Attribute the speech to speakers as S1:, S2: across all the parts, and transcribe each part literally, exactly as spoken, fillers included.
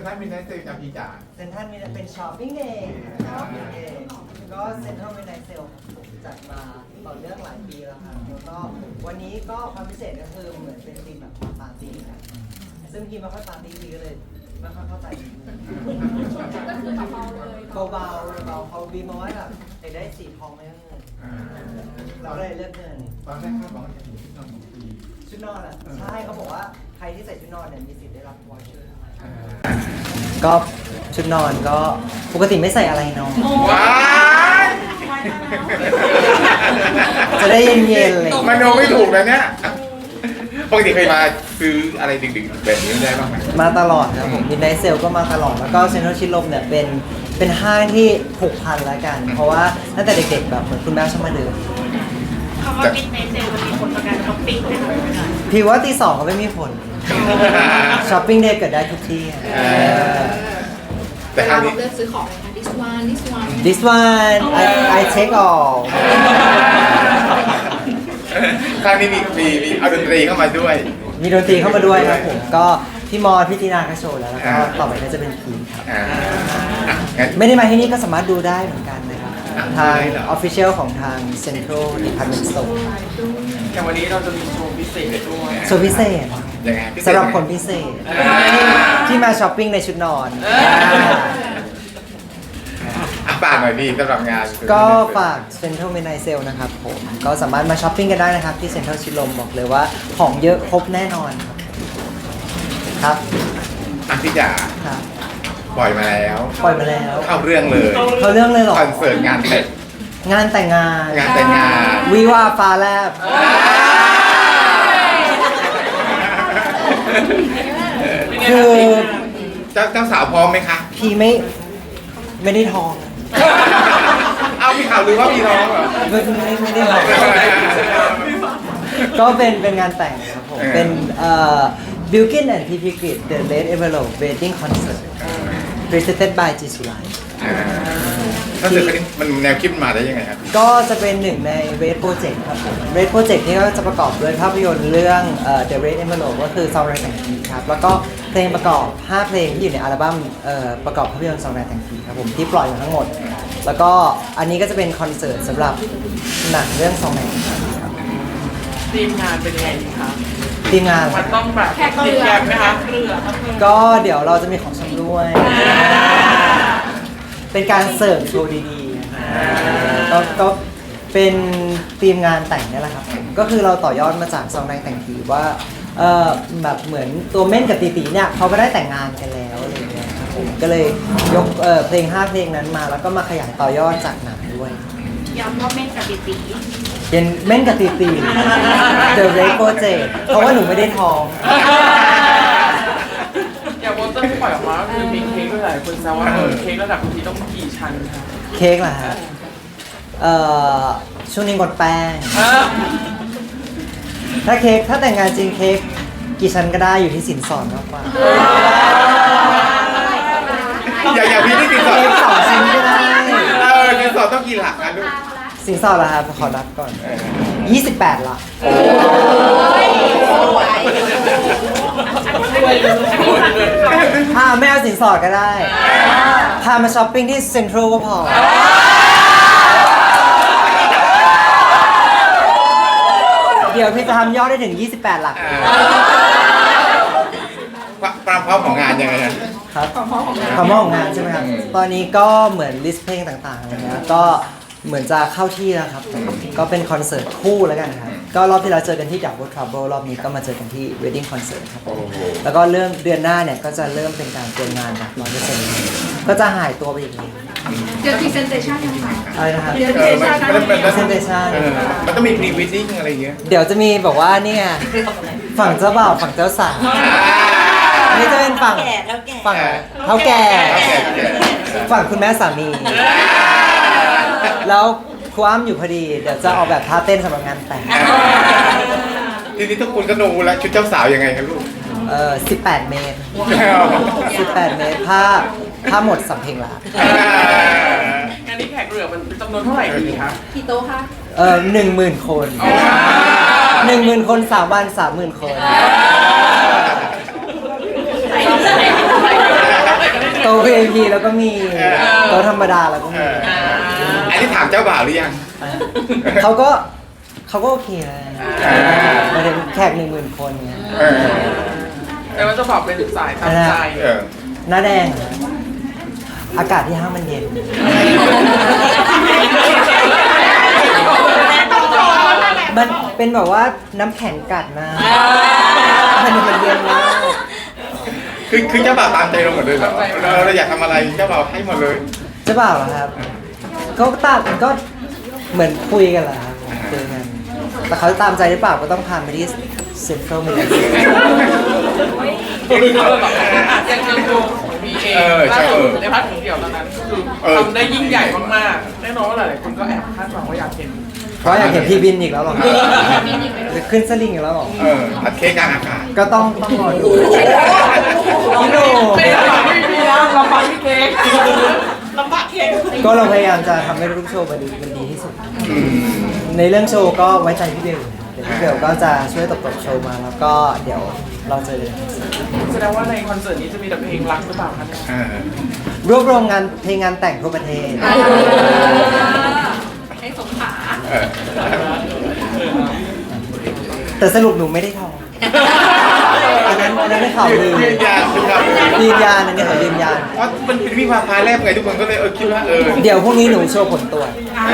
S1: ทรัลมิดไนท์เซลจากพี่จ๋า
S2: เซ็นทรัลมีเป็นช้อปปิ้งเดย์ช้อปปิ้งเดย์ก็เซ็นทรัลมิดไนท์เซลจัดมาต่อเนื่องหลายปีแล้วครับแล้วก็วันนี้ก็ความพิเศษก็คือเหมือนเป็นธีมแบบปาร์ตี้ครับซึ่งพี่ไม่ค่อยปาร์ตี้ดีก็เลยไม่ค่อยเข้าใจ
S3: ก็คือเบาๆเลย
S2: เบาๆเบาเขาบีมาว่าแบบได้สีทองไม่ต้องเงินเราเลยเลือกเงิน
S1: ตอนแรกเขาบอกว่าจะถึงที่นอนของปี
S2: ชุดนอนอ่ะใช่เขาบอกว่าใครที่ใส่ชุดนอนเนี่ยมีสิทธิ์ได้รับวอชเชอร์ก็ชุดนอนก็ปกติไม่ใส่อะไรนอน
S1: ว้าย
S2: จะได้เย็นๆเลย
S1: มันโนไม่ถูกนะเนี่ยปกติเคยมาซื้ออะไรดึกๆแบบนี้ได้บ้างไหม
S2: มาตลอดครับผมมิดไนท์เซลก็มาตลอดแล้วก็เซ็นทรัลชิดลมเนี่ยเป็นเป็นห้างที่ผูกพันแล้วกันเพราะว่าตั้งแต่เด็กๆแบบเหมือนคุณแม่ชอบมาเดิน
S3: คำว่ามิดไนท์เซลมันมีผลต่อการช้อปปิ้งไหมคะ
S2: พี่ว่าตีสองก็ไม่มีผลช้อปปิ้งเดย์เกิดได้ทุกที่
S3: แต่เราเลือกซื้อของเลยค่ะ this one this one
S2: this one I I take all
S1: ครั้งนี้มีมีมีเอาดนตรีเข้ามาด้วย
S2: มีดนตรีเข้ามาด้วยครับผมก็พี่มอพี่ตีนาก็โชว์แล้วแล้วก็ต่อไปก็จะเป็นพีครับไม่ได้มาที่นี่ก็สามารถดูได้เหมือนกันนะครับทาง Official ของทาง Central Department Store
S4: แต่วันนี้เราจะมีโชว์พิเศษด้วย
S2: โชว์พิเศษสำหรับคนพิเศษที่มาช้อปปิ้งในชุดนอน
S1: ฝากหน่อยพี่สำหรับงาน
S2: ก็ฝาก Central Midnight Sale นะครับผมก็สามารถมาช้อปปิ้งกันได้นะครับที่ Central ชิดลมบอกเลยว่าของเยอะครบแน่นอนครับ
S1: อ่ะพี่จ๋า
S2: ครับ
S1: ปล่อยมาแล้ว
S2: ปล่อยมาแล้ว
S1: เข้าเรื่องเลย
S2: เข้าเรื่องเลยหรอ
S1: คอนเสิร์ตงานแต่ง
S2: งานแต่งงาน
S1: งานแต่งงาน
S2: วิวาฟ้าแลบคือ
S1: เจ้าเจ้าสาวพร้อมไหมคะ
S2: พี่ไม่ไม่ได้ท้อง
S1: เอาพี่ข่าวลือว่าพี่ท้องเหรอ
S2: ไม่ไม่ไม่ได้ท้องก็เป็นเป็นงานแต่งครับผมเป็นเอ่อ Bilkin and พี พี Grid The Red Envelope Wedding Concert Presented by จี สุไล
S1: คอนเสิร์ตนี้มันแนวคิดมาได้ยังไงครับ
S2: ก็จะเป็นหนึ่งใน Red Project ครับผม Red Project นี่ก็จะประกอบด้วยภาพยนตร์เรื่องเอ่อ The Red Envelope ก็คือซองแรงแต่งผีครับแล้วก็เพลงประกอบห้าเพลงที่อยู่ในอัลบั้มเอ่อประกอบภาพยนตร์ซองแรงแต่งผีครับผมที่ปล่อยมาทั้งหมดแล้วก็อันนี้ก็จะเป็นคอนเสิร์ตสำหรับหนังเรื่องซองแรงแต่งผีครับ
S4: ทีมงานเป็นยังไงคะ
S2: ทีมงาน
S4: มันต้องแบบแขกเรือไหมคะเรือ
S2: ก็เดี๋ยวเราจะมีของชำร่วยเป็นการเสิร์ฟโชว์ดีๆก็ก็เป็นทีมงานแต่งนี่แหละครับก็คือเราต่อยอดมาจากซองแรงแต่งผีว่าเออแบบเหมือนตัวเม่นกับตีตีเนี่ยเขาก็ได้แต่งงานกันแล้วอะไรเงี้ยครับผมก็เลยยกเออเพลงห้าเพลงนั้นมาแล้วก็มาขยายต่อยอดจากหนังด้วย
S3: ย้ำว่าเม่นกับตีตี
S2: เป็นเม่นกับตีตี The Red Project เพราะว่าหนูไม่ได้ท้อง
S4: อย่างโปสเตอร์ที่ปล่อยออกมาคือมีเค้กด้วยหลายคนแซวว่าเค้กระดับทีต้องกี่ชั้นคะ
S2: เค้กเหรอฮะเอ่อช่วงนี้งดแป้งถ้าเค้กถ้าแต่งงานจริงเค้กกี่ชั้นก็ได้อยู่ที่สินสอดมากกว่า
S1: อย่าอย่าพี่ที่สินสอด
S2: เค้กสองชิ้นก็ได้
S1: เออสินสอดต้องกี่หลักกันลูก
S2: สินสอดเหรอครับขอนับก่อนยี่สิบแปดหลักพาไม่เอาสินสอดก็ได้พามาช้อปปิ้งที่เซ็นทรัลก็พอเดี๋ยวพี่จะทำยอดได้ถึงยี่สิบแปดหลัก
S1: ความพร้อมของงานยังไง
S2: ครับความพร้อมของงานใช่ไหมครับตอนนี้ก็เหมือนลิสต์เพลงต่างๆอะไรเงี้ยก็เหมือนจะเข้าที่แล้วครับก็เป็นคอนเสิร์ตคู่แล้วกันครับก็รอบที่เราเจอกันที่ Double Trouble รอบนี้ก็มาเจอกันที่ Wedding Concert ครับแล้วก็เริ่มเดือนหน้าเนี่ยก็จะเริ่มเป็นการเตรียมงานแบบร้อยเปอร์เซ็นต์ก็จะหายตัวไปอีกนิด
S3: เดี๋ยว presentation ยังไง
S2: อะไรนะครับ
S3: presentation
S1: มันต้องมี pre wedding อะไรเงี้ย
S2: เดี๋ยวจะมีแบบว่าเนี่ยฝั่งเจ้าบ่าวฝั่งเจ้าสาวนี่จะเป็นฝั่งฝั่งเท่าแก่ฝั่งคุณแม่สามีแล้วครูอ้ำอยู่พอดีเดี๋ยวจะออกแบบท่าเต้นสำหรับงานแต่ง
S1: ทีนี้ทุกคนก็ดูแล้วชุดเจ้าสาวยังไงครับลูก
S2: เอ่อสิบแปดเมตรสิบแปดเมตรผ้าผ้าหมดสำเพ็งละ
S4: งานนี้แขกเรือมันจำนวนเท่าไหร่ดีคะ
S3: กี่โต๊ะคะ
S2: เออหนึ่งหมื่นคนหนึ่งหมื่นคนสามวันสามหมื่นคนโต๊ะ วี ไอ พี แล้วก็มีโต๊ะธรรมดาแล้วก็
S1: เอ
S2: มี
S1: ออันนี้ถามเจ้าบ่าวหรือยัง
S2: เขาก็เขาก็โอเคนะ
S1: อ่า
S2: มาถึงแขกหนึ่งหมื่นคนเนี่ย
S1: เออ
S4: แต่ว่าจะบอกเป็นสายตามใจ
S1: เออ
S2: หน้าแดงเหรออากาศที่ห้างมันเย็น มันเป็นแบบว่าน้ำแข็งกัดนะมันมันเย็นมาก
S1: คือคือเจ้าบ่าวตามใจเราหมดเลยเหรอเราเราอยากทำอะไรเจ้าบ่าวให้หมดเลย
S2: เจะเปล่าเหรอครับก็ตามก็เหมือนคุยกันแหละครับคุยกันแต่เขาจะตามใจหรือเปล่าก็ต้องพาไปที่เซ็นทรัลมิลเลอร์
S4: ยังยังดูมีเองล่าสุดในพาร์ทของเดี่ยวตอนนั้นคือทำได้ยิ่งใหญ่มากๆแน่นอนว่าหลายๆคนก็แอบคาดหวังว่าอยากเห็น
S2: เพราะอยากเห็นพี่บินอีกแล้วเหรอครับหรือขึ้นสลิงอีกแล้วเหรอ
S1: เออตัดเค้กกลางอากาศ
S2: ก็ต้องต้องรอดูพี่โน่
S4: ไม่ได้หวังไม่มีนะเราฟังพี่เค้ก
S3: ลำบากเค้ก
S2: ก็เราพยายามจะทำให้ทุกโชว์มันดีมันดีที่สุด
S1: อืม
S2: ในเรื่องโชว์ก็ไว้ใจพี่เบลเดี๋ยวพี่เบลก็จะช่วยตบๆโชว์มาแล้วก็เดี๋ยวเราเจอกัน
S4: แสดงว่าในคอนเสิร์ตนี้จะมีแต่เพลงรักหรือเปล่าคะเนี่ย
S1: เออ
S2: รวบรวมงานเพลงงานแต่งทั่วประเทศ
S3: ให้สมขา
S1: เออ
S2: แต่สรุปหนูไม่ได้ทองอันนั้นอันนั้นไม่ข่าวลือ
S1: ยืนยันยืนยัน
S2: ยืนยันอันนี้ขอยืนยัน
S1: เพราะมันเป็นวิวาพาแรกไงทุกคนก็เลยเออคิดว่าเออ
S2: เดี๋ยวพรุ่งนี้หนูโชว์ผลตรวจ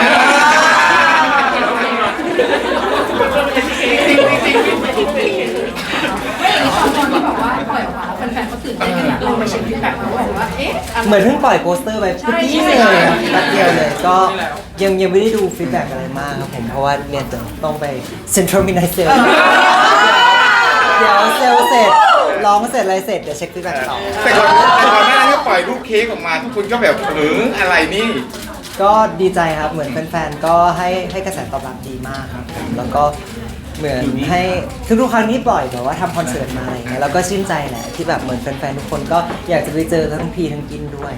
S3: ไม่อย่างนี้ตอนตอนที่แบบว่าปล่อยออกมาแล้วแฟนๆเขาตื่นเต้นกันเราไปเช็คฟีดแบ็กเขาบอกว่าเอ๊ะ
S2: เหมือนเพิ่งปล่อยโปสเตอร์ไปเมื่อกี้เลยครับแป๊บเดียวเลยก็ยังยังไม่ได้ดูฟีดแบ็กอะไรมากครับผมเพราะว่าเนี่ยเดี๋ยวต้องไปเซ็นทรัลมิดไนท์เซลเดี๋ยวเซลเสร็จร้องเสร็จอะไรเสร็จเดี๋ยวเช็คฟีดแบ็กต่อ
S1: แต่ก่อนแต่ก่อนหน้านั้นก็ปล่อยรูปเค้กออกมาทุกคนก็แบบเอออะไรนี่
S2: ก็ดีใจครับเหมือนแฟนๆก็ให้ให้กระแสตอบรับดีมากครับผมแล้วก็เหมือนให้ทุกๆครั้งที่ปล่อยแบบว่าทำคอนเสิร์ตมาอะไรเงี้ยแล้วก็ชื่นใจแหละที่แบบเหมือนแฟนๆทุกคนก็อยากจะไปเจอทั้งพีทั้งกินด้วย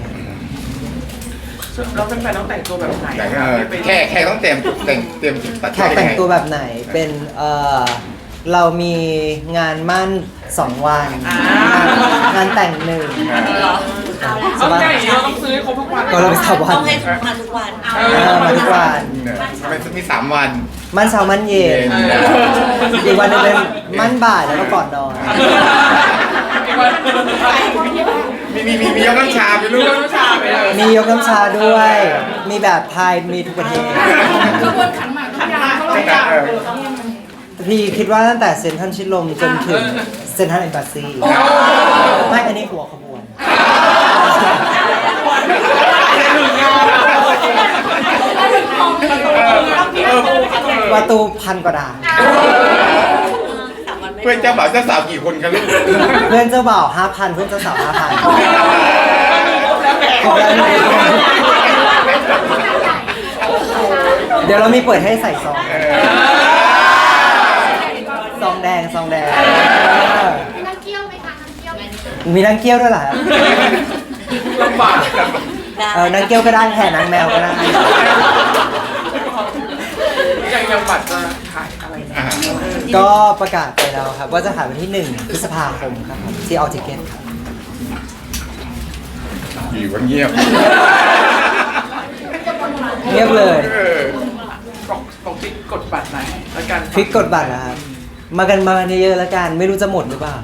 S4: แล้วแฟนๆต้องแต่งตัวแบบไหน
S1: แต่เออแค่แค่ต้องเตรียมแต่งเตรียมตัด
S2: แขกแต่งตัวแบบไหนเป็นเออเรามีงานมั่นสองวันงานแต่งหนึ่ง
S4: เอาใหญ่เราต้องซื้อครบทุกวัน
S2: ก็เราไปสามวัน
S5: ต้องให้มาทุกวัน
S2: เออมาทุกวัน
S1: เนี่ยมันมีสามวัน
S2: มั่นเช้ามั่นเย็นอีกวันหนึงเป็นมั่นบ่ายแล้วก็ก่อนนอน
S1: มีมีมีมียกน้ำชาไปลูก
S4: เรื่องน้ำชาไปเลย
S2: มียกน้ำชาด้วย มีแบบไทยมีทุกประเทศ
S3: ขบวนขันหมากขันยาเขาเลยอยาก
S2: พี่คิดว่าตั้งแต่เซ็นทรัลชิดลมจนถึงเซ็นทรัลเอ็มบาซีไม่อันนี้หัวขบวน ประตูพันกว่าด่าน
S1: เพื่อนเจ้าบ่าวเจ้าสาวกี่คนกันลูก
S2: เพื่อนเจ้าบ่าวห้าพันเพื่อนเจ้าสาวห้าพันเดี๋ยวเรามีเปิดให้ใส่ซองซองแดงซองแดง
S3: มีนักเกี้ยวไหมคะนักเกี้ยวไหม
S2: มีนางเกี้ยวด้วยเหรอครับ
S4: ลำบาก
S2: เออนางเกี้ยวก็ได้แห่นางแมวก็ได้
S4: ยังยังบัตรจะขายอะไรนะ
S1: อ่า
S2: ก็ประกาศไปแล้วครับว่าจะขายวันที่หนึ่งพฤษภาคมครับผมที่ออทิเกตครับ
S1: อยู่กันเงียบ
S2: เงียบเลย
S1: เออ
S4: บอกบอกติ๊กกดบัตรไหนแล้วกัน
S2: คลิกกดบัตรนะครับ มากันมากันเยอะๆแล้วกัน ไม่รู้จะหมดหรือเปล่า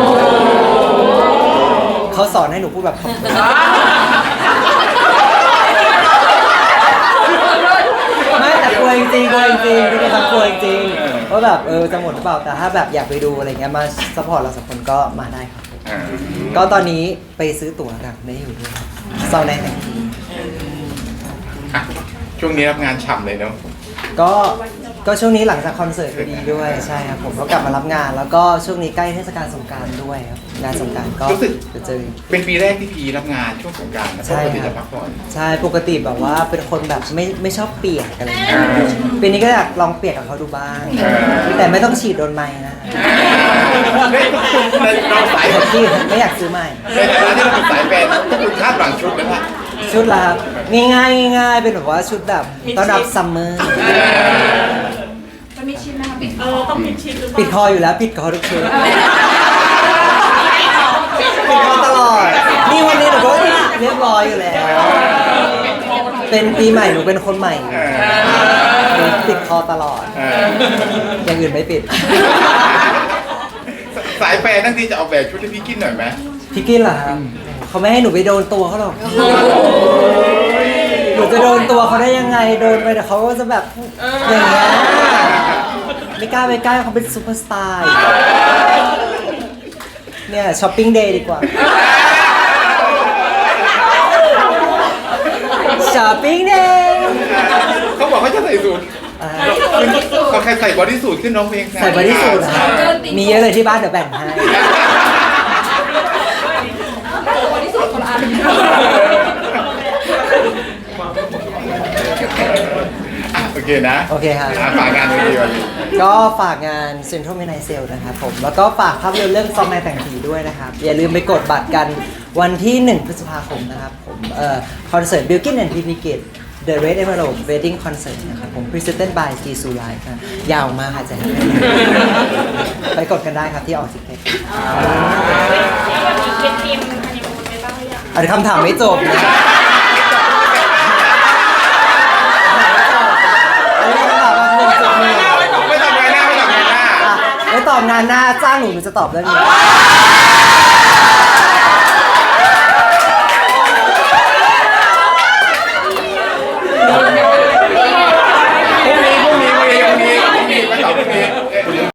S2: เขาสอนให้หนูพูดแบบขอบคุณไม่แต่กลัวจริงๆกลัวจริงๆทุกคนกลัวจริงๆว่าแบบเออจะหมดหรือเปล่า แต่ถ้าแบบอยากไปดูอะไรเงี้ยมาซัพพอร์ตเราสองคนก็มาได้ครับ
S1: อ่า
S2: ก็ตอนนี้ไปซื้อตั๋วกันได้อยู่ด้วยซาวแดงแต่งที
S1: อ่ะช่วงนี้รับงานฉ่ำเลยเนาะ
S2: ก็ก็ช่วงนี้หลังจากคอนเสิร์ตพอดีด้วยใช่ครับผมก็กลับมารับงาน แล้วก็ช่วงนี้ใกล้เทศกาลสงกรานต์ด้วยครับงานสงกรานต์ก็
S1: รู้สึก
S2: จะเจอ
S1: เป็นปีแรกที่พีรับงานช่วงสงกรานต์นะ
S2: ใช่
S1: ปกติ
S2: ครั
S1: จะ
S2: บ
S1: พักผ่อน
S2: ใช่ปกติแบบว่าเป็นคนแบบไม่ไม่ชอบเปียกอะไรอย่างเงี้ย
S1: อ่า
S2: ปีนี้ก็อยากลองเปียกกับเขาดูบ้าง
S1: อ่า
S2: แต่ไม่ต้องฉีดโดนไม้นะ
S1: เฮ้ยเราสาย
S2: แต่ที่ไม่อยากซื้อใหม่
S1: ในฐานะที่เราเป็นสายแฟนพวกคุณคาดหวังชุดไหมล่ะ
S2: ชุดละครับง่ายๆง่ายๆเป็นแบบว่าชุดแบบต้อนรับซัมเมอร์
S3: จะมีชิ้นไหมคะปิดเออต้องมีชิ้นหรือเป
S2: ปิด
S3: ล่า
S2: คออยู่แล้วปิดคอทุกชุดปิดคอตลอดนี่วันนี้หนูก็ปิดเรียบร้อยอยู่แล้ว เป็นปีใหม่หนูเป็นคนใหม่
S1: เออ
S2: หนูติดคอตลอด
S1: เออ
S2: อย่างอื่นไม่ปิด
S1: สายแฟนทั้งทีจะออกแบบชุดให้พี่กินหน่อยไหม
S2: พี่กินเหรอครับเขาไม่ให้หนูไปโดนตัวเขาหรอก หนูจะโดนตัวเขาได้ยังไง โดนไปแต่เขาก็จะแบบอย่างเงี้ย ไม่กล้าไปใกล้เขาเป็นซูเปอร์สตาร์ เนี่ยช้อปปิ้งเดย์ดีกว่า ช้อปปิ้งเดย์
S1: เขาบอกเขาจะใส่สูทเขาแค่ใส่บอดี้สูทขึ้นร้องเพลง
S2: ใส่บอดี้สูทนะครับมีเยอะเลยที่บ้านเดี๋ยวแบ่งให้
S3: คนที่สุดคนละอัน
S1: อ่ะโอเคนะ
S2: โอเคครับ
S1: อ่ะฝากงานวันนี้วันนี้
S2: ก็ฝากงาน Central Midnight Sale นะครับผม แล้วก็ฝากภาพยนตร์เรื่องซองในแต่งผีด้วยนะครับ อย่าลืมไปกดบัตรกันวันที่ หนึ่ง พฤษภาคมนะครับผม เอ่อ คอนเสิร์ต Bilkin and พี พี Kids The Red Emerald Wedding Concert นะครับผม Presented by G S U Live ครับยาวมากค่ะจะให้ไปกดกันได้ครับที่ออกซิเก็ตอันนี้คำถามไม่จบนะอันนี้คำถามแบบหนึ่งจุดหนึ่ง
S1: ไม่ตอบงานหน้าไม่ตอบงานหน้า
S2: ไม่ตอบงานหน้าจ้างหนูหนูจะตอบเรื่องนี้